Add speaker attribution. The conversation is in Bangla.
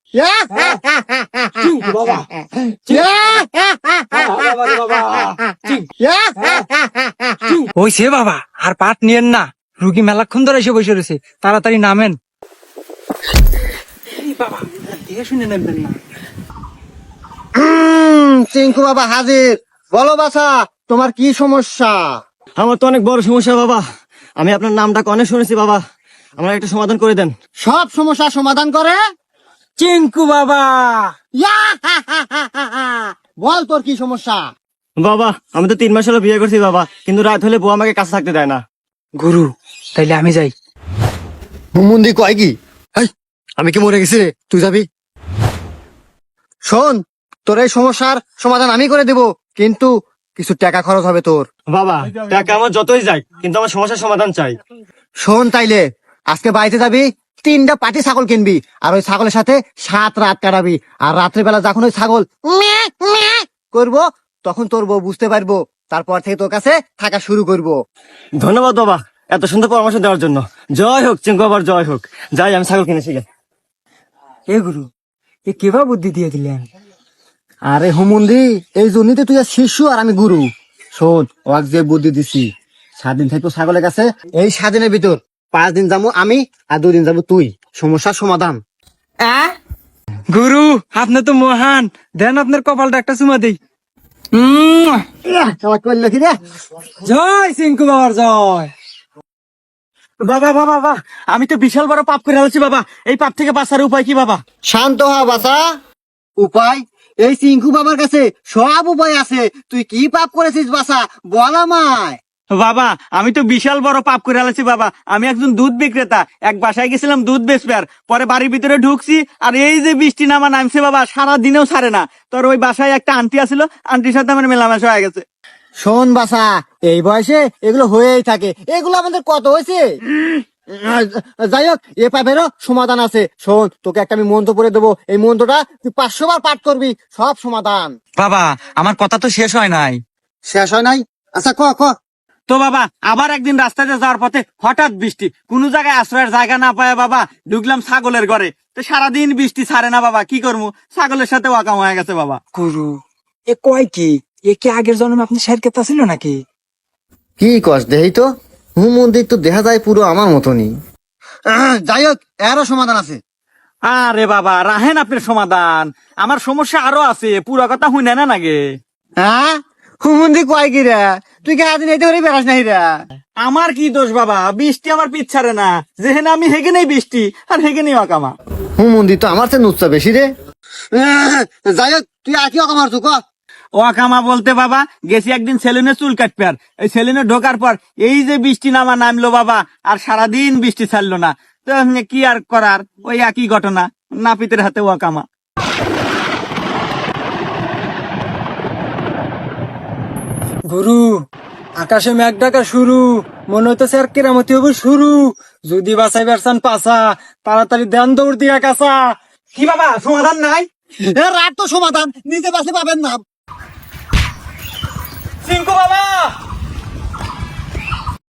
Speaker 1: চিঙ্কু বাবা
Speaker 2: ওই সে বাবা, আর পাট নিয়েন না, রুগী মেলাক্ষণ ধরে এসে বসে রয়েছে, তাড়াতাড়ি নামেন। বাবা দেখে শুনে নামবেন না।
Speaker 3: চিঙ্কু বাবা হাজির। বলো বাছা, তোমার কি সমস্যা?
Speaker 1: আমার তো অনেক বড় সমস্যা বাবা, আমি আপনার নামটা অনেক শুনেছি বাবা, আমার একটা সমাধান করে দেন।
Speaker 3: সব সমস্যা সমাধান করে
Speaker 2: চিঙ্কু বাবা।
Speaker 3: বল তোর কি সমস্যা?
Speaker 1: বাবা আমি তো 3 মাস হলো বিয়ে করছি বাবা, কিন্তু রাত হলে বউ আমাকে কাছে থাকতে দেয় না।
Speaker 2: গুরু, তাইলে আমি যাই।
Speaker 3: হুমুন্দি কয় কি? আমি কি মরে গেছি রে? তুই যাবি? শোন, তোর এই সমস্যার সমাধান আমি করে দেব, কিন্তু কিছু টাকা খরচ হবে তোর।
Speaker 1: বাবা টাকা আমার যতই যাই, কিন্তু আমার সমস্যার সমাধান চাই।
Speaker 3: শোন তাইলে, আজকে বাড়িতে যাবি, 3টা পাটি ছাগল কিনবি, আর ওই ছাগলের সাথে 7 রাত কাটাবি। আর রাত্রিবেলা যখন ওই ছাগল ম্যাঁ ম্যাঁ করবো, তখন তোর বউ বুঝতে পারবো, তারপর থেকে তোর কাছে থাকা শুরু করবো।
Speaker 1: ধন্যবাদ বাবা এত সুন্দর পরামর্শ দেওয়ার জন্য। জয় হোক চিঙ্কু বাবার, জয় হোক। যাই আমি ছাগল কিনেছি গে।
Speaker 2: এ গুরু, এ কেবা বুদ্ধি দিয়ে দিলেন?
Speaker 3: আরে হুমুন্দি, এই জন্যই তো তুই আর শিশু আর আমি গুরু। শোন, ওয়াক যে বুদ্ধি দিছি, 7 দিন থাকবো ছাগলের কাছে, এই 7 দিনের ভিতর 5 দিন যাবো আমি, আর 2 দিন যাবো তুই। সমস্যার সমাধান।
Speaker 2: গুরু, আপনি তো মহান, দেন আপনার কপালটা একটা চুমা দেই।
Speaker 3: সবাই করলো কি রে?
Speaker 2: জয় চিঙ্কু বাবার জয়।
Speaker 1: বাবা বাবা বাবা, আমি তো বিশাল বড় পাপ করে ফেলেছি বাবা, এই পাপ থেকে বাঁচার উপায় কি বাবা?
Speaker 3: শান্ত হ বাসা। উপায়? এই চিঙ্কু বাবার কাছে সব উপায় আছে। তুই কি পাপ করেছিস বাসা, বল আমায়।
Speaker 1: বাবা আমি তো বিশাল বড় পাপ করে ফেলেছি বাবা, আমি একজন দুধ বিক্রেতা, এক বাসায় গেছিলাম দুধ বেচবার, পরে বাড়ির ভিতরে ঢুকছি, আর এই যে বৃষ্টি নামা নামছে বাবা, সারা দিনেও ছাড়ে না। তোর ওই বাসায় একটা আন্টি আসলো, আন্টির সাথে আমার মেলামেশা হয়ে গেছে।
Speaker 3: শোন বাসা, এই বয়সে এগুলো হয়েই থাকে, এগুলো আমাদের কত হয়েছে। যাই হোক, এ পাপেরও সমাধান আছে। শোন, তোকে একটা আমি মন্ত্র পড়ে দেবো, এই মন্ত্রটা তুই 500 বার পাঠ করবি, সব সমাধান।
Speaker 2: বাবা, আমার কথা তো শেষ হয় নাই।
Speaker 3: শেষ হয় নাই? আচ্ছা ক ক।
Speaker 1: তো বাবা আবার একদিন রাস্তাতে যাওয়ার পথে হঠাৎ বৃষ্টি, কোন জায়গায় আশ্রয়ের জায়গা না পায় বাবা, ঢুকলাম ছাগলের ঘরে, তো সারাদিন বৃষ্টি ছাড়ে না বাবা, কি করবো, ছাগলের সাথে ওয়াকাম হয়ে গেছে বাবা।
Speaker 2: গুরু, এ কয় কি? এ কি আগের জন্মে আপনি শের কেতা ছিল নাকি?
Speaker 3: কি কস দেহি তো, হুমন্দির তো দেখা যায় পুরো আমার মতনই। যাই হোক, এরও সমাধান আছে।
Speaker 1: আরে বাবা রাহেন আপনার সমাধান, আমার সমস্যা আরো আছে, পুরো কথা শুনে না নাগে।
Speaker 3: হ্যাঁ, হুমন্দি কয় কি রে? তুই কি আদিন এইতে করে বেড়াস নাই রে?
Speaker 1: আমার কি দোষ বাবা, বৃষ্টি আমার পিছ ছাড়ে না, যেখানে আমি হেগেনেই বৃষ্টি আর হেগেনেই অকামা।
Speaker 3: হুমন্দি তো আমার চেয়ে নুচ্ছা বেশি রে। যাই হোক, তুই আর কি অকামার তুই ক।
Speaker 1: ওয়াকামা বলতে বাবা, গেছি একদিন সেলুনে চুল কাটবে, আর এই সেলুনে ঢোকার পর এই যে বৃষ্টি নামা নামলো বাবা, আর সারাদিন বৃষ্টি ছাড়লো না, তো কি আর করার, ওই একই ঘটনা, নাপিতের হাতে ওয়াকামা।
Speaker 2: গুরু, আকাশে মেঘ ডাকা শুরু, মনে হইতেছে আর কেরামতি হবে শুরু। যদি বাঁচাই বেরসান পাসা, তাড়াতাড়ি দেন দৌড় দিয়া কাঁচা।
Speaker 1: কি বাবা সমাধান নাই?
Speaker 3: রাত তো সমাধান, নিজে বাসে পাবেন না।
Speaker 1: চিঙ্কু বাবা